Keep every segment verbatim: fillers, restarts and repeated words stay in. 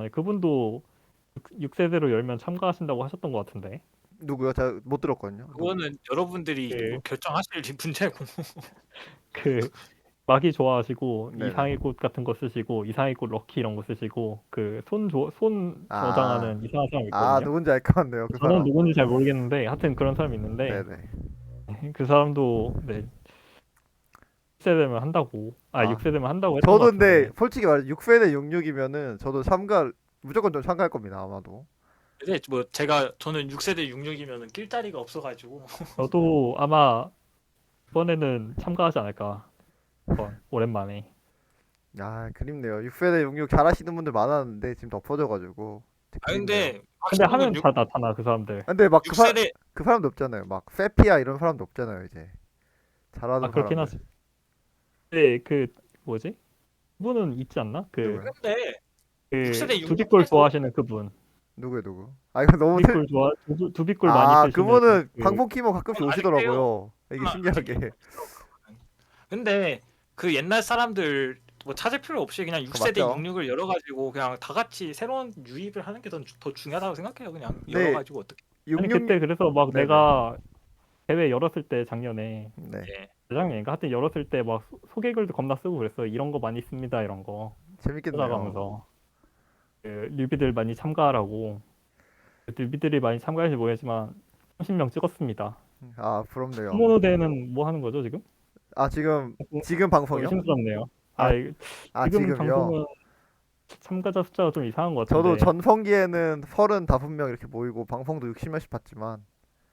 있잖아요. 그분도 육 세대로 열면 참가하신다고 하셨던 것 같은데. 누구요? 제가 못 들었거든요. 누구? 그거는 여러분들이 뭐 그 결정하실 문제고. 그 마기 좋아하시고 네네. 이상의 꽃 같은 거 쓰시고 이상의 꽃 럭키 이런 거 쓰시고 그 손 조 손 아, 저장하는 이상한 사람 아 있거든요. 누군지 알 것 같네요. 그 저는 사람. 누군지 잘 모르겠는데 하여튼 그런 사람이 있는데 네네. 그 사람도 네 육 세대면 한다고 아 아, 육 세대면 한다고 했던 저도 것 근데 같은데. 솔직히 말해 육 세대 육십육이면은 저도 참가 무조건 좀 참가할 겁니다. 아마도. 근데 뭐 제가 저는 육 세대 육십육이면은 낄 자리가 없어가지고. 저도 아마 이번에는 참가하지 않을까. 한번 오랜만에. 아, 그립네요. 육 세대 육십육 잘하시는 분들 많았는데 지금 덮어져가지고 아 그립네요. 근데 근데 확실한 건 하면 육, 다 나타나 그 사람들. 근데 막 그 사, 육 세대 그 사람도 없잖아요. 막 페피아 이런 사람도 없잖아요. 이제 아 잘하는 그렇긴 사람들. 하지. 근데 그 뭐지? 그분은 있지 않나? 그 누구요? 근데 육 세대 그 육십육 두비골 해서 좋아하시는 그분. 누구요, 누구? 아 이거 너무 틀. 두비골 좋아 두, 두비골 많이 아, 쓰시는 그분은 그 방송 키면 가끔씩 그건 아직 해요. 오시더라고요. 이게 그건 아직 신기하게. 해요. 근데 그 옛날 사람들 뭐 찾을 필요 없이 그냥 그 육 세대 맞죠? 육십육을 열어가지고 그냥 다 같이 새로운 유입을 하는 게 더 더 중요하다고 생각해요. 그냥 네, 열어가지고 어떻게. 아니 육십육. 그때 그래서 막 네네. 내가 대회 열었을 때 작년에 네, 예. 재작년인가 하여튼 열었을 때 막 소개글도 겁나 쓰고 그랬어. 이런 거 많이 씁니다 이런 거 재밌겠네요. 찾아가면서 그 뉴비들 많이 참가하라고. 그 뉴비들이 많이 참가할지 모르겠지만 삼십 명 찍었습니다. 아, 부럽네요. 스모노 대회는 뭐 하는 거죠 지금? 아, 지금 어, 지금 방송이요? 의심스럽네요. 아 아, 이- 아 지금 지금요. 방송은 참가자 숫자가 좀 이상한 것 저도 같은데. 전성기에는 서른다섯 명 이렇게 모이고 방송도 육십 명씩 봤지만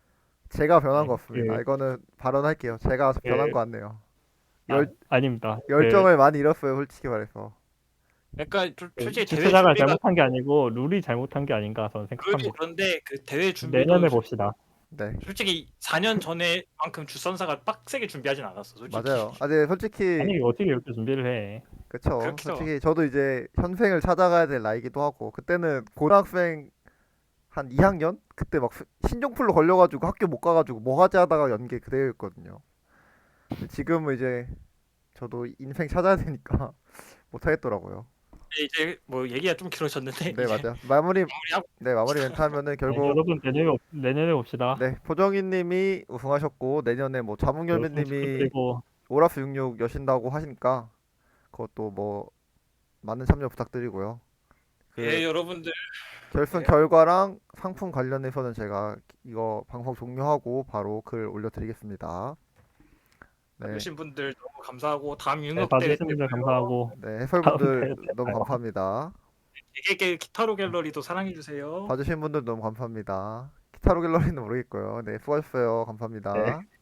제가 변한 것 네, 같습니다. 그, 이거는 발언할게요. 제가 변한 그, 것 같네요. 아, 열 아닙니다. 그, 열정을 많이 잃었어요, 솔직히 말해서. 그러니까 조- 그 솔직히 대회 주최자가 준비가 잘못한 게 아니고 룰이 잘못한 게 아닌가 저는 룰이 생각합니다. 그런데 그 대회 준비도 내년에 솔- 봅시다. 네, 솔직히 사 년 전에만큼 주선사가 빡세게 준비하진 않았어. 솔직히. 맞아요. 아, 네, 솔직히 아니 어떻게 이렇게 준비를 해? 그쵸. 그렇죠. 솔직히 저도 이제 현생을 찾아가야 될 나이기도 하고 그때는 고등학생 한 이 학년 그때 막 스- 신종플루 걸려가지고 학교 못 가가지고 뭐 하지 하다가 연 게 그대였거든요. 근데 지금은 이제 저도 인생 찾아야 되니까 못 하겠더라고요. 이제 뭐 얘기가 좀 길어졌는데 네, 이제 맞아요. 마무리. 마무리하고. 네, 마무리 멘트 하면은 네, 결국 여러분 내년에 봅- 내년에 봅시다. 네, 포정이님이 우승하셨고 내년에 뭐 우승 자몽열매님이 축하드리고 오라스 육십육 여신다고 하시니까 그것도 뭐 많은 참여 부탁드리고요. 그 예, 여러분들. 결승 예. 결과랑 상품 관련해서는 제가 이거 방송 종료하고 바로 글 올려드리겠습니다. 네, 봐주신 분들 너무 감사하고 다음 네, 융합 대회 때 봐주신 분들 봐요. 감사하고 네, 다음 해설분들 대회 때 너무 봐요. 감사합니다. 개개개 기타로 갤러리도 사랑해 주세요. 봐주신 분들 너무 감사합니다. 기타로 갤러리는 모르겠고요. 네, 수고하셨어요. 감사합니다. 네.